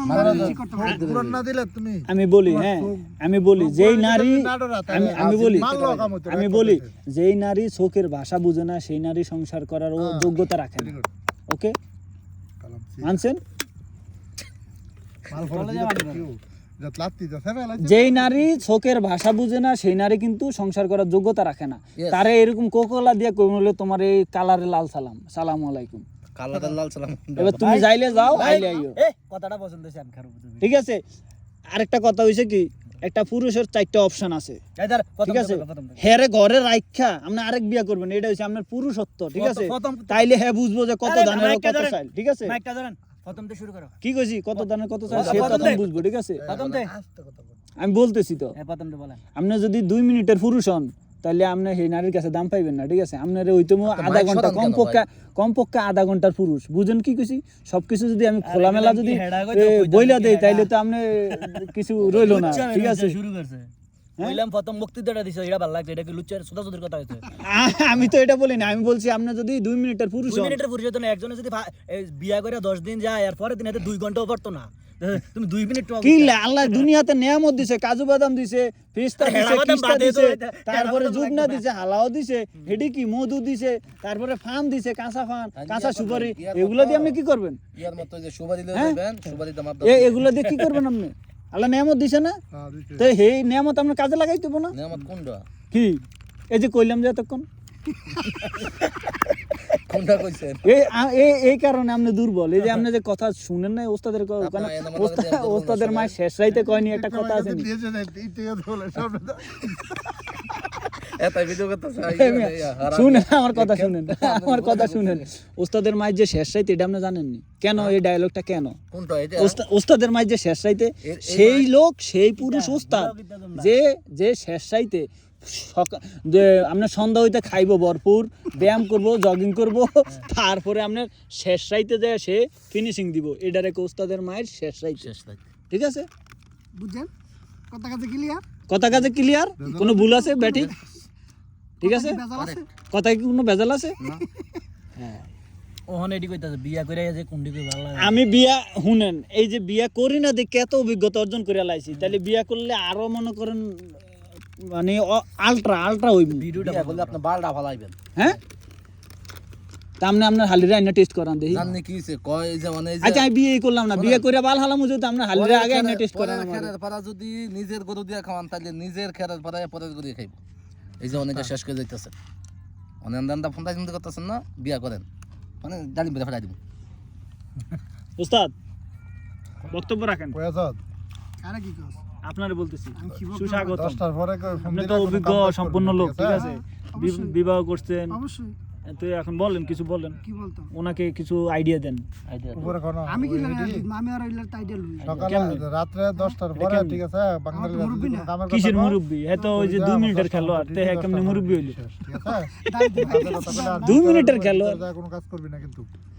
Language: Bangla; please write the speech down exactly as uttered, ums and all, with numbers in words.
আমি বলি হ্যাঁ আমি বলি যেই নারী আমি আমি বলি আমি বলি যেই নারী চোখের ভাষা বুঝে না সেই নারী সংসার করার যোগ্যতা রাখে না। ওকে মানছেন? যেই নারী চোখের ভাষা বুঝে না সেই নারী কিন্তু সংসার করার যোগ্যতা রাখে না। তারে এরকম কোকোলা দিয়ে কই বলে তোমার এই কালারে লাল সালাম সালাম আলাইকুম কালারে লাল সালাম এবার তুমি যাইলে যাও আইলে আইও। এই কথাটা পছন্দ হইছে আমি খারাপ বুঝি ঠিক আছে। আরেকটা কথা হইছে কি একটা পুরুষের চারটা অপশন আছে ঠিক আছে। হেরে ঘরে রাইখা আপনি আরেক বিয়া করবেন এটা হইছে আপনার পুরুষত্ব ঠিক আছে। তাইলে হ্যাঁ বুঝবো যে কত দানের কত চাই ঠিক আছে। মাইকটা ধরেন প্রথম থেকে শুরু করো কি কইছি কত দানের কত চাই সে তখন বুঝবো ঠিক আছে। প্রথম থেকে আমি বলতেছি তো হ্যাঁ প্রথম থেকে বলেন। আপনি যদি দুই মিনিটের পুরুষ হন তাহলে আপনি সেই নারীর কাছে দাম পাইবেন না ঠিক আছে। আপনার ওইতো আধা ঘন্টা কমপক্ষে কমপক্ষে আধা ঘন্টার পুরুষ বুঝেন কি কইছি। সবকিছু যদি আমি খোলামেলা যদি বইলা দেই তাইলে তো আপনি কিছু রইলো না ঠিক আছে। শুরু করছে বললাম প্রথম বক্তৃতাটা দিছো এটা ভালো লাগছে এটা কি লুচ্চার সুদাসুদের কথা হইছে। আমি তো এটা বলি না আমি বলছি আপনি যদি দুই মিনিটের পুরুষ দুই মিনিটের পুরুষ হতো না একজনে যদি বিয়া করে দশ দিন যায় আর পরের দিন এতে দুই ঘন্টাও পড়তো না তুমি দুই মিনিট কি আল্লাহ দুনিয়াতে নিয়ামত দিছে কাজু বাদাম দিছে পিস্তা দিছে কিস্তা দিছে তারপরে জুবনা দিছে হালাও দিছে হেডি কি মধু দিছে তারপরে ফান দিছে কাঁচা ফান কাঁচা সুপারি এগুলো দিয়ে আপনি কি করবেন? ইয়ার মত যে সুপারি লয়ে যাবেন সুপারি দাম এ এগুলো দিয়ে কি করবেন আপনি? আল্লাহ নিয়ামত দিছে না তো এই নিয়ামত আপনি কাজে লাগাই দেব না। নিয়ামত কোনটা কি এই যে কইলাম যে এতক্ষণ কোনটা কইছেন এই এই এই কারণে আপনি দুর্বল। এই যে আপনি যে কথা শুনেন না ওস্তাদের ওস্তাদের মায়ের শেষ রাইতে কয়নি একটা কথা আছে শুনেন আমার কথা শুনেন আমার কথা শুনেন ওস্তাদের মায়ের যে শেষ রাইতে এটা আপনি জানেননি কেন এই ডায়লগটা কেন ওস্তাদের মায়ের যে শেষ রাইতে সেই লোক সেই পুরুষ ওস্তাদ যে যে শেষ রাইতে যে আপনার সন্ধ্যা হইতে খাইবো ভরপুর ব্যায়াম করব জগিং করব তারপরে আপনার শেষ রাইতে যায় সে ফিনিশিং দিব এটার এক ওস্তাদের মায়ের শেষ রাইতে ঠিক আছে বুঝছেন কথা কাজে ক্লিয়ার কথা কাজে ক্লিয়ার কোনো ভুল আছে ব্যাটি ঠিক আছে কথা কি কোনো ভেজাল আছে হ্যাঁ ওহন এডি কইতাছে বিয়া কইরা যে কোনডি কই ভালো লাগে আমি বিয়া শুনেন এই যে বিয়া করি না দেখে এত অভিজ্ঞতা অর্জন করে লাইছি তাহলে বিয়া করলে আরো মনে করেন মানে আলট্রা আলট্রা হইব ভিডিওটা বললে আপনি বালটা ফালাইবেন হ্যাঁ তামনে আপনার হালিরা আইনা টেস্ট করান দেই জাননি কি হইছে কয় যে মানে আচ্ছা আমি বিয়ে করলাম না বিয়ে কইরা বাল হালামু যদি আমরা হালিরা আগে আইনা টেস্ট করান আমাদের পারা যদি নিজের গরু দিয়া খাওয়ান তাহলে নিজের খেরার পারায় পরের গরু খাইব এই যে অনেকটা শেষ করে যাইতাছে অনেক দান্দা ফোনটা চিন্তা করতেছেন না বিয়া করেন মানে জানি বেরা ফেলাই দিব উস্তাদ বক্তব্য রাখেন কয় আজাদ আরে কি কস আপনারে বলতেছি সুস্বাগত দশটার পরে আপনি তো অভিজ্ঞ সম্পন্ন লোক ঠিক আছে বিবাহ করছেন অবশ্যই তো এখন বলেন কিছু বলেন কি বলতাম ওনাকে কিছু আইডিয়া দেন আইডিয়া উপরে কোন আমি কি লাগে আমি আর আইলার আইডিয়া লই সকালে রাতে দশটার পরে ঠিক আছে বাঙালি দামের কিসের মুরব্বি এ তো ওই যে দুই মিনিটের খেলোয়াড় তে কেমনে মুরব্বি হইলো ঠিক আছে দুই মিনিটের খেলোয়াড় কোনো কাজ করবি না কিন্তু